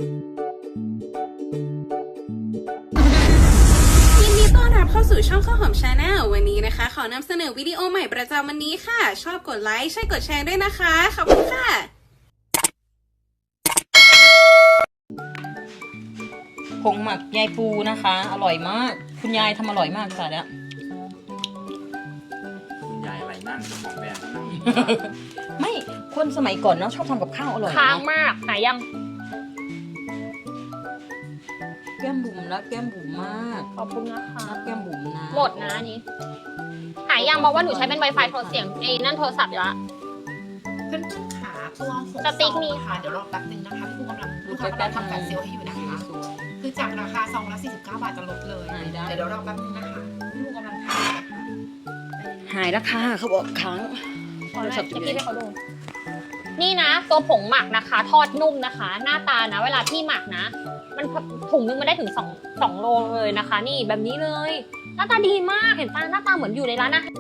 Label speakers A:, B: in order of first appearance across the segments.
A: ยินดีต้อนรับเข้าสู่ช่องข้าวหอมชาแนลวันนี้นะคะขอนำเสนอวิดีโอใหม่ประจำวันนี้ค่ะชอบกดไลค์ใช่กดแชร์ด้วยนะคะขอบคุณค่ะ
B: ผงหมักยายปูนะคะ อร่อยมากคุณยายทำอร่อยมากค่ะเนี่ย
C: คุณยายอะไรนั่งเจ้าของแบรนด์นั่ง
B: ไม่คนสมัยก่อนเนาะชอบทำกับข้าวอร่อย
D: ค้าง
B: เนาะ
D: มากหายัง
B: แก้มบุ๋มรักแก้มบุ๋มมาก
D: ขอบคุณนะคะ
B: รักแก้มบุ๋มนะ
D: หมดนะอันนี้หายังบอกว่าหนูใช้เป็น Wi-Fi โทรเสียงไอ้นั่นโทรศัพท์อยู่ละ
E: เพื่อนๆขาตัวหก
D: สติ๊กมี
E: ค่ะเดี๋ยวรอแป๊บนึงนะคะพี่ปูกำลังลูกค้ากำลังทำการเซลล์ให้อยู่นะคะ
B: สวย
E: คือจากราคาซองละ49 บาทจะลดเลย
B: หายได้
E: เดี๋ยวรอแป๊บนึงนะคะพี่ปูกำลังทำนะคะ
B: หายราคาเขาบอกค้าง
D: ขอหน่อยจะกี้ให้เขาดูนี่นะ ตัวผงหมักนะคะ ทอดนุ่มนะคะ หน้าตานะ เวลาที่หมักนะ มันถุงนึงมันได้ถึง2โลเลยนะคะ นี่แบบนี้เลย หน้าตาดีมากเห็นปะหน้าตาเหมือนอยู่ในร้านอาหาร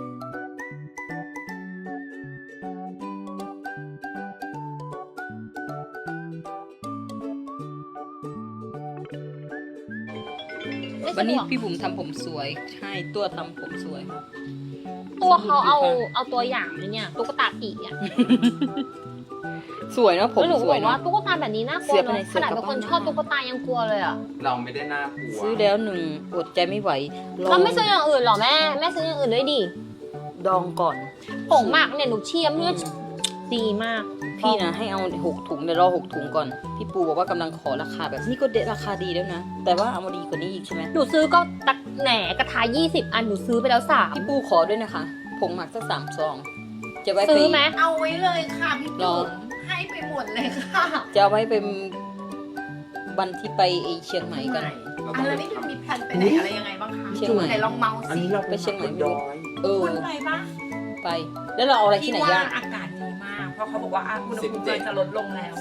D: ไม่
B: วัน
D: ใช่
B: นี้
D: หรอ
B: พี่บุ๋มทำผมสวยใช่ตัวทำผมสวย
D: ตัวเขาเอาตัวอย่างเลยเนี่ยตุ๊กตาผีอ่ะ
B: สวยเนาะผม
D: แล้วหนูก็
B: ส
D: บ
B: วย
D: อกว่า
B: เนาะ
D: ตุ๊กตาแบบนี้น่ากลัว
B: เสียไป
D: เนาะ
B: ไหน
D: ขนาดเป็นคน
B: เสียกลับ
D: ชอบ
B: บ้าน
D: ตุ๊กตายังกลัวเลยอ่ะ
C: เราไม่ได้น่ากลัว
B: ซื้อแล้วหนึ่งอดใจไม่ไหวล
D: เราไม่ซื้ออย่างอื่นหรอแม่ซื้ออย่างอื่นด้วยดิ
B: ดองก่อน
D: ผงหมักเนี่ยหนูเชียร์เมื่อดีมาก
B: พี่นะให้เอา6 ถุงเดี๋ยวรอ6 ถุงก่อนพี่ปูบอกว่ากำลังขอราคาแบบนี้ก็เด็ดราคาดีแล้วนะแต่ว่าเอามาดีกว่านี้อีกใช่ไหม
D: หนูซื้อก็ตักแหนกระทะ20 อันหนูซื้อไปแล้ว3
B: พี่ปูขอด้วยนะคะผงหมักสัก3 ซองจะไว้ไป
D: ซื้อไหม
E: เอาไว้เลยค่ะพี่
B: รอ
E: ปุ๋มให้ไปหมดเลยค่ะ
B: จะเอาไว้เป็นวันที่ไปเชียงใหม่กัน
E: อันแล้วนี่มันมีแผนไปไหนอะไรยังไงบ้างคะ
B: เชียงใหม่
E: ไหนลองเมาส์
C: อัน
E: สิ
C: นี้เรา
B: ไปเชียงใหม่
C: บนดอย
E: คุณไปปะ
B: ไป แล้วเราเอาอะไรที่ไหน
E: ว่า
B: ย่าง
E: อากาศดีมาก เพราะเขาบอกว่าอุณหภูมิจะลดลงแล้ว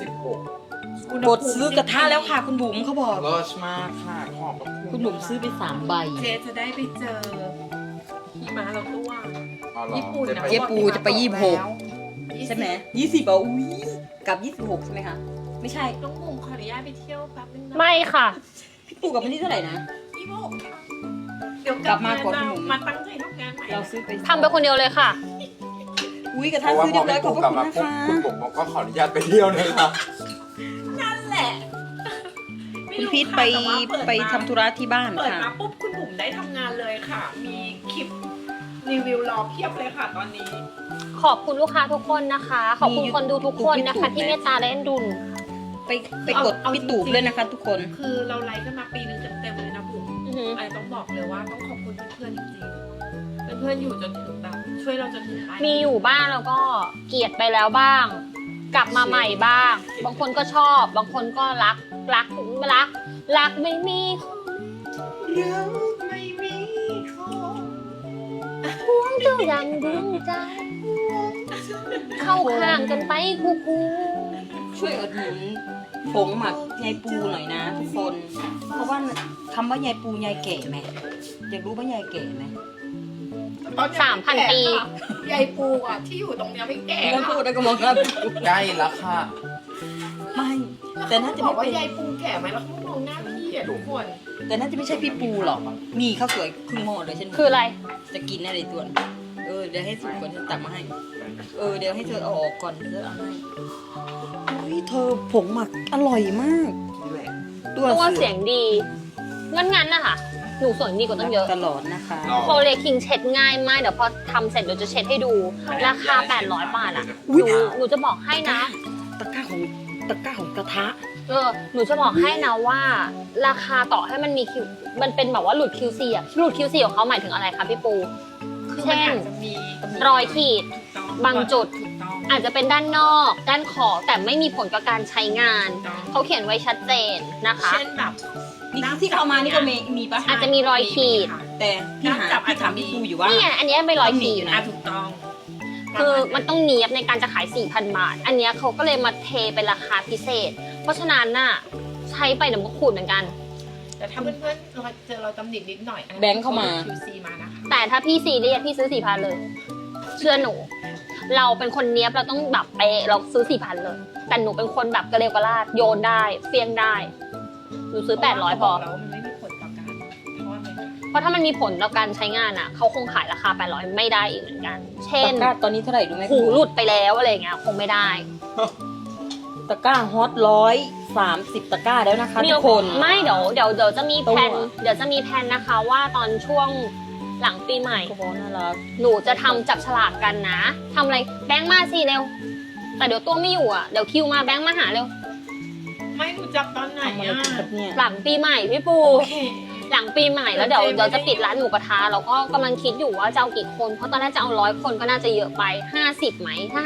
C: 16
B: กดซื้อกระทะแล้วค่ะคุณบุ๋มเขาบอก
C: เลิศมากค่ะขอบพระ
B: คุณบุ๋มซื้อไป3 ใบ
E: เจจะได้ไปเจอหิมะเราตัว
C: อ๋อเหรอ
E: ญี่ปุ่นนะ
B: เจ๊ปูจะไป
E: บอกหิมะตกแล้ว
B: ใช่ไหม20อ่ะอุ้ยกับ26ใช่ไหมคะไม่ใช่
E: น้องบุ๋มขออนุญาตไปเที่ยวแป๊บนึงนะ
D: ไม่ค่ะ
B: พี่ปูกับวันที่เท่าไหร่นะ
E: 26ค่ะเดี๋ยว
B: กลับมาก่อน
E: เร
B: พี่บุ๋ม
E: มาตั้งใจทำงานใหม่
B: เราซื้อไป
D: ทำไปคนเดียวเลยค่ะ
B: อุ้ยกระ
C: เพ
B: ทะ
C: ราะว่า
B: ซื้อ
C: พ
B: เรี
C: อย
B: บร้อยขอบ
C: พี่ปู
B: พ
C: กลั
B: ระ
C: บ
B: คุณ
C: มา
B: นะ
C: ปุ๊บ
B: คะ
C: คุณผมบอกก็ขออนุญาตไปเที่ยวนะคะ
E: นั่นแหละไม่
B: คุณ
E: รู้
B: พีท
E: ค่ะ
B: ไป
E: แต่ว่าเด
B: ไป
E: มา
B: ทำธุระที่บ้าน
E: เปิด
B: ค่ะ
E: มาปุ๊บคุณบุ๋มได้ทำงานเลยค่ะ มีคลิปรีวิวรอเพียบเลยค่ะตอนนี้
D: ขอบคุณลูกค้าทุกคนนะคะ ขอบคุณคนดูทุกคนนะคะ ที่เมตตาและเอ็นดูหนู
B: ไปกดพี่ตูบเลยนะคะ ทุกคน
E: คือเราไลฟ์กันมาปีหนึ่งเต็มๆเลยนะบุ๋ม
D: อือหือ
E: ไอต้องบอกเลยว่าต้องขอบคุณเพื่อนๆจริงๆเพื่อนๆอยู่จนถึงแบบช่วยเราจนถึงปลาย
D: มีอยู่บ้างแล้วก็เกลียดไปแล้วบ้าง กลับมาใหม่บ้าง บางคนก็ชอบ บางคนก็รักไม่มี
E: ไม่มีของ
D: ห่วงเจ้ายังดวงใจ เข้าข้างกันไปคู่
B: ช่วยอุดหนุนผงหมักยายปูหน่อยนะ ทุกคน เพราะว่าคำว่ายายปูยายแก่ไหมอยากรู้ว่ายายแก่ไหม
D: 3,000 ปี
E: ยายปูอ่ะที่อยู่ตรงเนี้ยไม่แก่
B: แล้วพูดแล้วก็มองหน้าพี่ปู
C: ใกล้แล้วค่ะ
B: ไม่ แต่น่าจะ
E: บ
B: ไม่
E: อกว่า
B: เป็น
E: ยายปูแก่ไหมแล้วเขามองหน้าพี่อ่ะทุกคน
B: แต่น่าจะไม่ใช่พี่ปูหรอกนี่ข้าวสวยครึ่งหม้อเลยฉัน
D: คืออะไร
B: จะกินอะไรตัวนเดี๋ยวให้สุกก่อนฉันตักมาให้ เดี๋ยวให้เธอเอาออกก่อนเธอเอาให้อุ้ยเธอผงหมักอร่อยมาก
C: นี่แหละ
B: ตัว
D: ตัว
B: เสื
D: เสี
B: อย
D: งดี งั้นนะคะหนูสวยดีกว่าตั้งเยอะ
B: ตลอดนะคะ
D: โคเลคิงเช็ดง่ายมาก เดี๋ยวพอทำเสร็จเดี๋ยวจะเช็ดให้ดู ราคา 800 บาทอ่ะ หนูจะบอกให้นะ
B: ตะกร้าของกระทะ
D: หนูจะบอกให้นะว่า ราคาต่อให้มันมีคิวมันเป็นแบบว่าหลุด QC อ่ะ หลุด QC ของเขาหมายถึงอะไรคะพี่ปู
E: คือมันอาจจะมี
D: รอยขีด
E: ถูกต้อง
D: บางจุด
E: ถูกต้อง
D: อาจจะเป็นด้านนอก ด้านขอบแต่ไม่มีผลกับการใช้งาน
E: ถูกต้อง
D: เขาเขียนไว้ชัดเจนนะคะ
E: เช่นแบบ
B: นี่ที่เขามานี่ก็มีปะ
D: อาจจะมีรอยขีด
B: แต่พี่ถามพี่ปูอยู่ว่า
D: นี่ไงอันเนี้ยเป็นรอยขีด
E: อ่ะถูกต้อง
D: คือมันต้องเนียบในการจะขาย 4,000 บาท อันเนี้ยเขาก็เลยมาเทเป็นราคาพิเศษ เพราะฉะนั้นน่ะใช้ไปเดี๋ยวมันก็ขูดเหมือนกัน
E: แต่ถ้าเพื่อนๆเราเจอเราตำหนินิดหน่อย
B: แบงค์เข้ามา
E: QC มานะคะ
D: แต่ถ้าพี่ซีเรียสพี่ซื้อ 4,000 เลย เชื่อหนูเราเป็นคนเนี้ยบเราต้องแบบเป๊ะเราซื้อ 4,000 เลย แต่หนูเป็นคนแบบกระเร็วกระลาดโยนได้เฟี้ยงได้หนูซื้อ 800 พอ
E: แล้วมันไม่มีผลต่อการทอดเลยค่ะ
D: เพราะถ้ามันมีผลต่อการใช้งานอ่ะเขาคงขายราคา 800 ไม่ได้อีกเหมือนกัน เช่น
B: ตะกร้าตอนนี้เท่าไหร่รู้ไหม
D: หูหลุดไปแล้วอะไรอย่างเงี้ยคงไม่ได้
B: ตะกร้าฮอต130 ตะกร้าแล้วนะคะทุกคน
D: ไม่เดี๋ยวจะมีแผน
B: ตัว
D: เดี๋ยวจะมีแผนนะคะว่าตอนช่วงหลังปีใหม่
B: กระบอกน่ารัก
D: หนูจะทำจับฉลากกันนะทำอะไรแบงค์มาสิเร็ว แต่เดี๋ยวตัวไม่อยู่อ่ะเดี๋ยวคิวมาแบงค์มาหาเร็ว
E: ไม่หนูจับตอนไหน
B: ทำอะไร
E: อ่ะ
B: กันครับเนี่ย
D: หลังปีใหม่พี่ปู
E: โอเค
D: หลังปีใหม่แล้วเดี๋ยวจะปิดร้านหมูกระทะแล้วก็กำลังคิดอยู่ว่าจะเอากี่คนเพราะตอนแรกจะเอา100 คนก็น่าจะเยอะไป50ไหมถ้า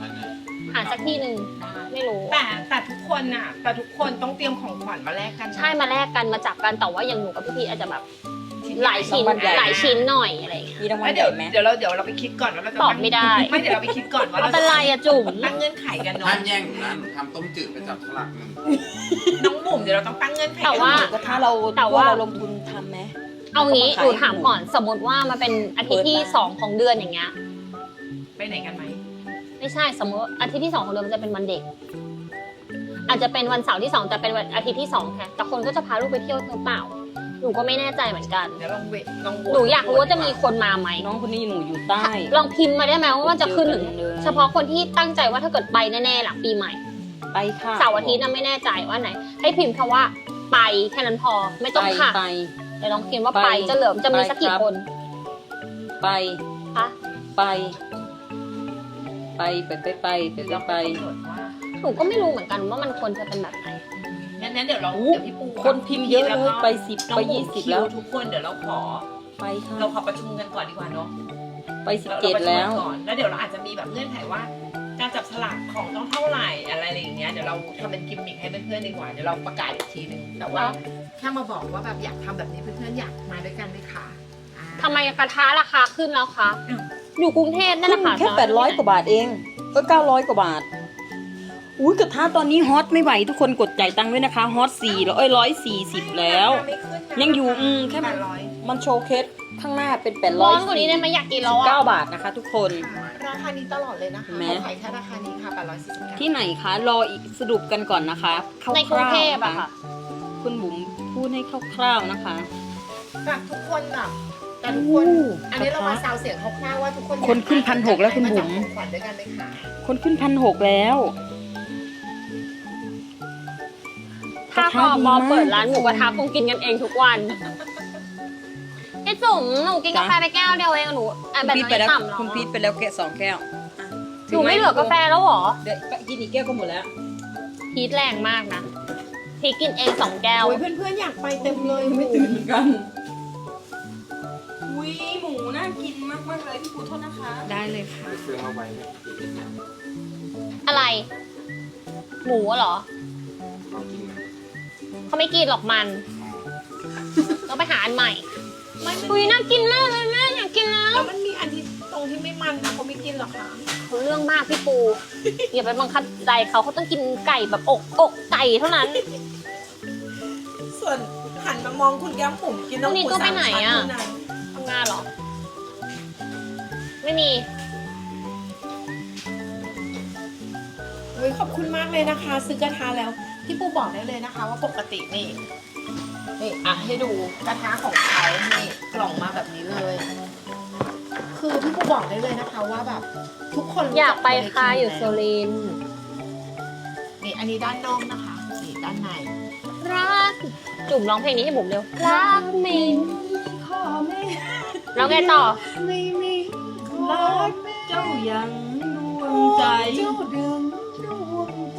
D: 50หาสักที่หนึ่งไม่รู้
E: แต่ทุกคนน่ะ แต่ทุกคนต้องเตรียมของขวัญมาแลกกันนะ
D: ใช่มาแลกกันมาจับกันแต่ว่าอย่างหนูกับพี่พีอาจจะแบบ
E: ชิ้น
D: หลายชิ้น
B: รางวัลใหญ่
D: หลายชิ้นหน่อยอะไรอย่างเงี้ย
B: มีรางวั
E: แล้
B: ล
E: ว
B: ให
E: เดี๋ยว
B: ญ่ไหม
E: เดี๋ยวเราไปคิดก่อนว่าเราจะ
D: ตอบไม่ได้
E: ไม่เดี๋ยวเราไปคิดก่อนว่า
D: ไม่
E: เรา
D: เป็นไรอะจุ๋ม
E: ตั้งเงื่อนไขกันเนาะ
C: ห้ามแย่งหนูนะหนูทำต้มจืดไปจับฉลากหนึ่ง
E: น้องบุ๋มเดี๋ยวเราต้องตั้งเงื่อนไข
D: แต่ว่า
B: หมูกระทะเรา
D: แต่ว่า
B: เราลงทุนทำไหม
D: เอางี้
B: ขาย
D: หนูถามก่อนสมมติว่ามันเป็นอาทิตย์ที่
B: เปิดบ้าน
D: 2 ของเดือนอย่างเงี้ย
E: ไปไหนกันไหม
D: ไม่ใช่สมมติอาทิตย์ที่ 2 ของเดือนมันจะเป็นวันเด็ก อาจจะเป็นวันเสาร์ที่ 2 แต่เป็นวันอาทิตย์ที่2แค่แต่คนก็จะพาลูกไปเที่ยวหรือเปล่าหนูก็ไม่แน่ใจเหมือนกัน
E: เดี๋ยวลองเวทลองโว
D: หนูอยากรู้ว่าจะมีคนมาไหม
B: น้องคนนี้หนูอยู่ใต้
D: ลองพิมพ์มาได้ไหมว่ามันจะขึ้นถึง
B: เจอกันเลย
D: เฉพาะคนที่ตั้งใจว่าถ้าเกิดไปแน่ๆหลังปีใหม่
B: ไปค่ะ
D: เสาร์อาทิตย์น่ะไม่แน่ใจว่าไหน ให้พิมพ์คำว่าไปแค่นั้นพอไม่ต้องค่ะ
B: ไป
D: เดี๋ยวลองพิมพ์ว่า
B: ไป
D: ไปจะเหลือจะมีสักกี่
B: ไปครับ
D: คน
B: ไป
D: คะ
B: ไปไปไป
E: เรา
B: ไป
E: กำหนดว่า
D: หนูก็ไม่รู้เหมือนกันว่ามันควรจะเป็นแบบไหน
E: งั้นเดี๋ยวเรา
B: โอ้
E: เดี๋ยวพี่ปู
B: คนพิมพ์เยอะเลย
E: แล้วก็
B: ไป10
E: น้อง
B: ไป
E: บุ๋ม
B: 20แล้ว
E: คิทุกคนเดี๋ยวเราขอ
B: ไปค่ะ
E: เราขอประชุมกันก่อนดีกว่าเนาะ
B: ไป
E: เราประชุม
B: 17 แล้ว
E: กันก่อนแล้วเดี๋ยวเราอาจจะมีแบบเงื่อนไขว่า การจับฉลากของต้องเท่าไหร่อะไรอย่างเงี้ยเดี๋ยวเราทำเป็นกิมมิคให้เพื่อนๆดีกว่าเดี๋ยวเราประกาศอีกทีหนึ่งแต่ว่าแค่มาบอกว่าแบบอยากทำแบบนี้เพื่อนๆอยากมาด้วยกันไหมคะอ่า
D: ทำไมกระทะราคาขึ้นแล้วคะ อยู่กรุงเทพนั่นแหละค่ะ
B: แค่800 กว่าบาทเองก็900 กว่าบาท อุ้ยกระทะตอนนี้ฮอตไม่ไหวทุกคนกดจ่ายตังค์ด้วยนะคะฮอต140 แล้ว
E: ไม่ขึ้นนะ
B: ยังอยู่แค่
E: 800
B: มันโชว์เคสข้างหน้าเป็น800
D: ร้อนกว่านี้ได้ไหมอยากกินแล้ว
B: 9
D: อ่ะ
B: บาทนะคะทุกคน
E: ค่ะราคานี้ตลอดเลยนะคะ
B: เห็นไหม
E: เขาขายแค่ราคานี้ค่ะ849
B: ที่ไหนคะรออีกสรุปกันก่อนนะคะคร่าวๆ
D: ในกรุงเทพ
B: น
D: อะค่ะ
B: คุณบุ๋มพูดให้คร่าวๆนะคะ
E: แบบทุกคนแบบแต่ทุกคน อันนี้เรามาซาวเสียงคร่าวๆว่าทุกคน
B: คนขึ้น1,600แล้วคุณบุ๋ม
E: าจับของขวัญด้วยกันไหมคะ
B: คนขึ้น1,600แล้ว
D: ถ้าพอมอเปิดร้านหมูกระทะคงกินกันเองทุกวันพี่จุ๋มหนูกินกาแฟไปแก้วเดียวเองหนูแบบ
B: พีท
D: นี้
B: ไปแล้ว
D: ต่ำเหรอ
B: คุณพีทไปแล้วแกะ2 แก้ว
D: หนูไม่เหลือกาแฟแล้วเหรอ
B: เดี๋ยวกินอีกแก้วก็หมดแล้ว
D: พีทแรงมากนะพีทกินเอง2 แก้ว
E: โอ้ยเพื่อนๆอยากไปเต็มเลย
B: ไม่ตื่นเหมือนกันอุ้ยหมูน่ากินมากๆเลยพี่ปูโทษนะคะ
E: ได้เลยค่ะ
C: ไปซื้อมาไว้
D: อะไร หมูเหรอ
C: เขากินนะ
D: เขาไม่กินหรอกมันต้องไปหาอันใหม่อุ้ยน่ากินมากเลยแม่อยากกินแล้ว
E: แล้วมันมีอันที่ตรงที่ไม่มันนะเขาไม่กินหรอคะ
D: เขาเรื่องมากพี่ปู อย่าไปบังคับใจเขาต้องกินไก่แบบอกไก่เท่านั้น
E: ส่วนหันมามองคุณแก้มผมกินน้ำ
D: พรุ่งนี้
E: หมู
D: ต้องไป
E: สาม
D: ไหน
E: ชั้น
D: อะ
E: เท่านั้น
D: ทำงานเหรอ ไม่มี
E: โอ้ยขอบคุณมากเลยนะคะ ซื้อกระทะแล้วพี่ปูบอกได้เลยนะคะ ว่าปกตินี่อ่ะให้ดูกระทะของเขานี่กล่องมาแบบนี้เลย คือพี่ปูบอกได้เลยนะคะว่าแบบทุกคนรู้
D: อยากไป
E: จั
D: ค่ะอยู่
E: โ
D: โซลินทร์
E: นี่อันนี้ด้านนอกนะคะนี่ด้านใน
D: รักจุ่มร้องเพลงนี้ให้บุ๋มเร็ว รักไม่
E: ข้อแม่
D: แล้วไงต่อ
E: ไม่มีข้อ
B: รัก
E: แม่
B: เจ้ายังดวงใจ
E: เจ้าเดิมดวงใจ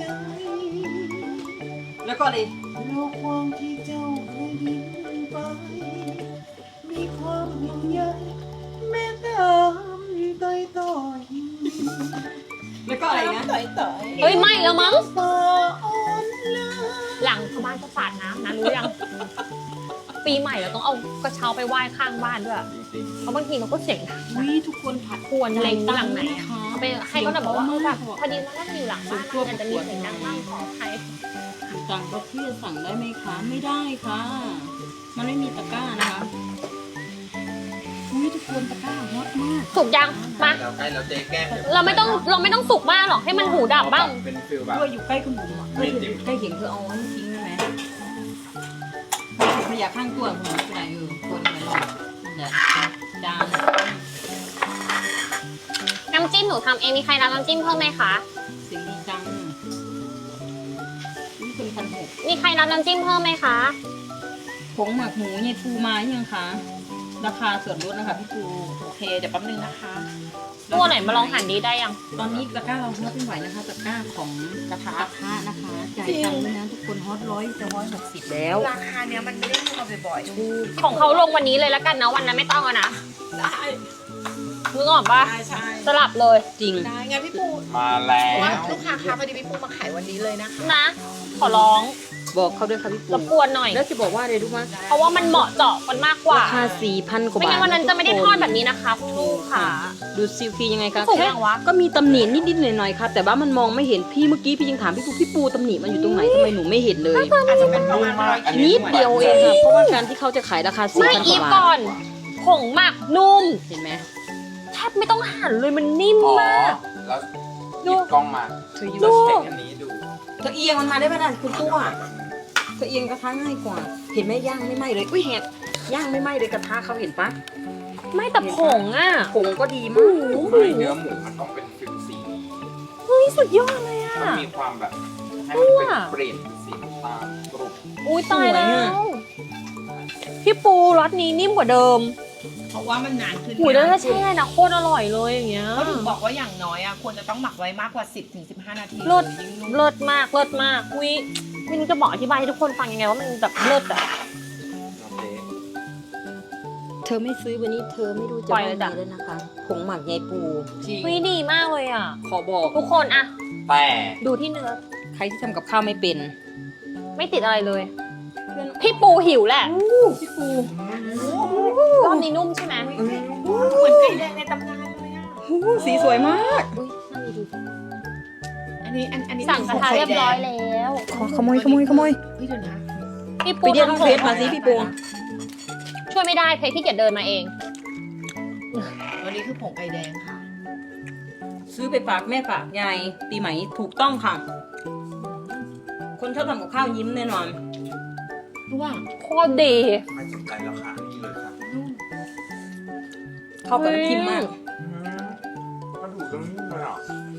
B: แล้วก็เลย
E: โลกความที่เจ้าเคยยิ้มไป มีความห่วงใยแม้ตามต่อยต่อย
B: แล้วก็อะไรนะ
E: ต่อยต่อย
D: เฮ้ยไม่แล้วมั้ง
E: สาอ่อนลา
D: หลังชาวบ้านก็สาดน้ำนะรู้ยัง ปีใหม่เราต้องเอากระเช้าไปไหว้ข้างบ้านด้วย
C: จริง
D: เพราะบางทีมันก็เสียงดัง
B: วิทุกคนผัด
D: ควรเล็งหลังไหนอะ
B: คะ
D: เอาไปให้เขาแบบบอกว่าเออแบบพอดีว่านั่งอยู่หลังบ้านมันอาจจะมีเสียงดังบ้างขออภัย
B: ต่างประเทศสั่งได้ไหมคะ ไม่ได้ค่ะ มันไม่มีตะกร้านะคะอุ้ยทุกคนตะกร้าฮอตมาก
D: สุกยังมา
C: เราใกล้แล้วเจ๊แก้ม
D: เราไม่ต้องสุกมากหรอกให้มันหูดับบ้าง
C: เป็นฟิลแบบ
B: ด้วยอยู่ใกล้คุณบุ๋มอะใกล้เห็นเธอเอาอันนี้ทิ้งได้ไหมขยะข้างตัวคุณบุ๋มไหนคนไปลองนั่นแหละจาน
D: น้ำจิ้มหนูทำเองมีใครรับน้ำจิ้มเพิ่มไหมคะ
B: เสียงดีจังนี่เป็น1,600
D: มีใครรับน้ำจิ้มเพิ่มไหมคะ
B: ผงหมักหมูยายปูมายังคะราคาส่วนลดนะคะพี่ปู
E: โอเคเดี๋ยวแป๊บนึงนะคะ
D: ตัวไหนมาลองหั่นดีได้ยัง
B: ตอนนี้ตะกร้าเราฮอตไม่ไหวนะคะตะกร้าของกระทะนะคะจ่ายตังค์ด้วยนะทุกคนฮอตจะ160แล้ว
E: ราคาเนี้ยมันไม่ได้มีมาบ่อยๆ
D: ของเขาลงวันนี้เลยแล้วกันนะวันนั้นไม่ต้องเอานะ
E: ได้
D: นึกออกปะ
E: ใช่
D: สลับเลย
B: จริง
E: ได้งั้นพี่ปู
C: มาแล้
E: เพราะว่าว ลูกค้าคะพอดีพี่ปูมาขายวันนี้เลยนะคะ
D: นะ ขอร้อง
B: บอกเขาด้วยค่ะพี่ปู
D: รบกวนหน่อย
B: แล้วจะบอกว่าอะไรรู้ไหม
D: เพราะว่ามันเหมาะเจาะมันมากกว่า
B: ราคา 4,000 กว่า
D: ไม่
B: บาท
D: งั้นวันนั้นจะไม่ได้ทอดแบบนี้นะคะคุณลูกค่ะ
B: ดูซิลฟียังไงคะ
D: สูง
B: แค่
D: ยังวะ
B: ก็มีตำหนินิดๆหน่อยๆค่ะแต่ว่ามันมองไม่เห็นพี่เมื่อกี้พี่ยังถามพี่ปูตำหนิมันอยู่ตรงไหนทำไมหนูไม่เห็นเลย
E: อาจจะเป็นประมาณ100
B: นิดเดียวเองค่ะเพราะว่าการที่เขาจะขายราคา
D: ไม่
B: 4,000 ก
D: อีฟ
B: ว่า
D: ก่
B: บา
D: อ
B: ท
D: น ผงหมักนุ่ม
B: เห็นไหม
D: แทบไม่ต้องหั่นเลยมันนิ่ม
C: อ๋อ
D: มาก
C: แล้วหยิบกล้องมา
B: เธออยู่
C: แล้วเช็คอันนี้ดู
B: เธอเอียงมันมาได้ไหมล่ะคุณตัวเธอเอียงกระทะง่ายกว่า เห็นไหมย่างไม่ไหม้เลยอุ้ยแหกย่างไม่ไหม้เลยกระทะเขาเห็นปะ
D: ไม่แต่ผงอ่ะ
B: ผงก็ดีมาก
C: ไม่เนื้อหมูมันต้องเป็นฟิลสี
D: เฮ้ยสุดยอดเลยอ่ะ
C: มันมีความแบบให้มันเป็นเปลี่ยนสีน้ำตาลกรุบ
D: อุ้ยตายแล้วพี่ปูรสนี้นิ่มกว่าเดิม
E: เพราะว่ามันนานขึ้น
D: หูยแล้วถ้าแช่นะโคตรอร่อยเลยอย่างเงี้ย
E: เขาถึงบอกว่าอย่างน้อยอ่ะควรจะต้องหมักไว้มากกว่า 10-15 นาที
D: เลิศ
E: ยิ่งนุ่ม
D: เลิศมากเลิศมากอุ้ยไม่รู้จะบอกอธิบายให้ทุกคนฟังยังไงว่ามันแบบเลิศอ่ะ
C: โอเค
B: เธอไม่ซื้อวันนี้เธอไม่รู้จะ
D: ปล่อย
B: ว่า
D: เลย
B: ไง
D: จ้ะ
B: แล้วนะคะผงหมักยายปู
E: จริง
D: อุ้ยดีมากเลยอ่ะ
B: ขอบอก
D: ทุกคนอะ
C: แต่
D: ดูที่เนื้อ
B: ใครที่ทำกับข้าวไม่เป็น
D: ไม่ติดอะไรเลย พี่ปูหิวแหละ
B: พี่ปู
D: รอบนี้นุ่มใช่ไหม
E: เหมือนไก่แดงในตำนานเลยอ่ะ
B: สีสวยมาก
D: อุ้ยนั่นดี
E: อันนี้
D: สั่งกระทะเรียบร้อยแล้ว
B: ขโมย
E: เฮ้ยเดี๋ยวนะ
D: พี่
B: ไป
D: ปู
B: เรียกน้อง
D: ทำผ
B: เฟ
D: ง
B: สมาสิพี่ปู
D: ช่วยไม่ได้เพจที่เกียจเดินมาเอง
E: วันนี้คือผงไก่แดงค่ะ
B: ซื้อไปฝากแม่ฝากยายปีใหม่ถูกต้องค่ะ คนชอบทำกับข้าวยิ้มแน่นอน
E: รู้ว่า
D: โคตรดี
C: ไม่สนใจราคานี่เลยครับ
E: นุ่ม
B: เข้ากับน้ำจิ้มมาก
C: มันถูกต้องนุ่มเลยอ่ะ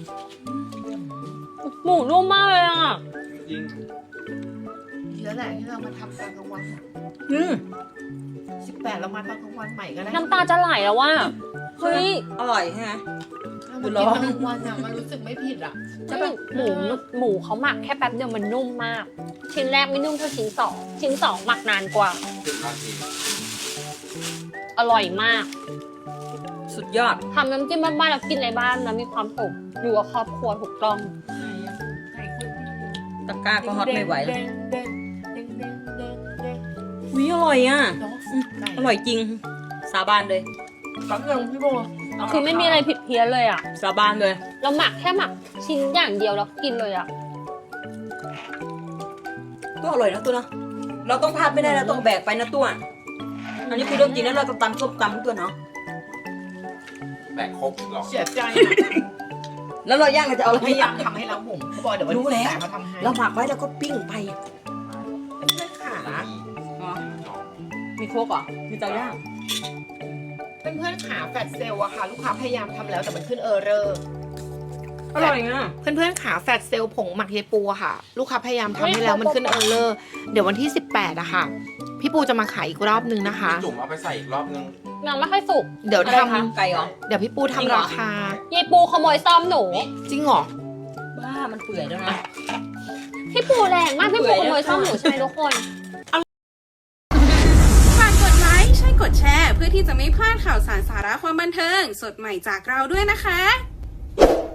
D: หมูนุ่มมากเลยอ่ะ
C: จริง
E: ดีแล้วแหละที่เรามาทำตอนกลางวันอะ
B: อืม
E: 18เรามาตอนกลางวันใหม่ก็ได้
D: น้ำตาจะไหลแล้วว่าเฮ้ย
B: อร่อยใช่ไหม
E: เรามากินตอนกลางวันอะมันรู้สึกไม่ผิดอ่ะ
D: หมูเขาหมักแค่แป๊บเดียวมันนุ่มมาก ชิ้นแรกไม่นุ่มเท่าชิ้นสองชิ้นสองหมักนานกว่า
C: 10 นาที
D: อร่อยมาก
B: สุดยอด
D: ทำน้ำจิ้มบ้านๆแล้วกินในบ้านแล้วมีความสุขอยู่กับครอบครัวถูกต้อง
E: ไก่คน
B: ตะกร้าก็ฮอตไม่ไหว
E: แด
B: แล้ว
E: งแดงแดงแดงแดงแดง
B: วิอร่อยอ่ะ
E: เนาะไก่
B: อร่อยจริง สาบานเลย
E: แป๊บนึงพี่โบ
D: คือไม่มีอะไรผิดเพี้ยนเลยอ่ะ
B: สาบานเลย
D: เราหมักแค่หมักชิ้นอย่างเดียวแล้วกินเลยอ่ะ
B: ตัวอร่อยนะตัวเนาะเราต้องพลาดไม่ได้เราต้องแบกไปนะตัว อันนี้คือเรื่องจริงนะเราต้องตำส้มตำตัวเนาะ
C: แบกครกหรอ
E: เสียใจ
B: แล้วเราย่างเราจะเอาอะไร
E: พยายามทำให้เราบุ๋มเขาบอกเดี๋ยววัน
B: รู้
E: ที่
B: แล้ว
E: 18มาทำให้
B: เราหมักไว้แล้วก็ปิ้งไป
E: เพื่อนๆขา
B: อ๋อมีโคกเหรอมีเตาย่าง
E: เพื่อนๆขาแฟลชเซลล์อะค่ะ ลูกค้าพยายามทำแล้วแต่มันขึ้นเออร์เรอร์
B: อร่อยอ่ะ
E: เพื่อนๆขาแฟลชเซลล์ผงหมักยายปูอะค่ะ ลูกค้าพยายามทำให้แล้วมันขึ้นเออร์เรอร์เดี๋ยววันที่ 18อะค่ะ พี่ปูจะมาขายอีกรอบนึงนะคะ
C: จุ่มเอาไปใส่อีกรอบนึง
D: ยังไม่ค่อยสุก
E: เดี๋ยว
B: อะไร
E: ท
B: คะไก่เหรอ
E: ำเดี๋ยวพี่ปู
B: จริงเหร
E: ทำ
B: อ
E: ราคาย
D: ายปูขโมยซ่อมหนู
E: จริงเหรอ
B: บ้ามันเปื่อยแล้วนะ
D: พี่ปูแรงมากพี่ปูขโมยซ่อมหนูใช่ไหมทุกคน
A: ฝากกดไลค์ใช่กดแชร์ เพื่อที่จะไม่พลาดข่าวสารสาระความบันเทิง สดใหม่จากเราด้วยนะคะ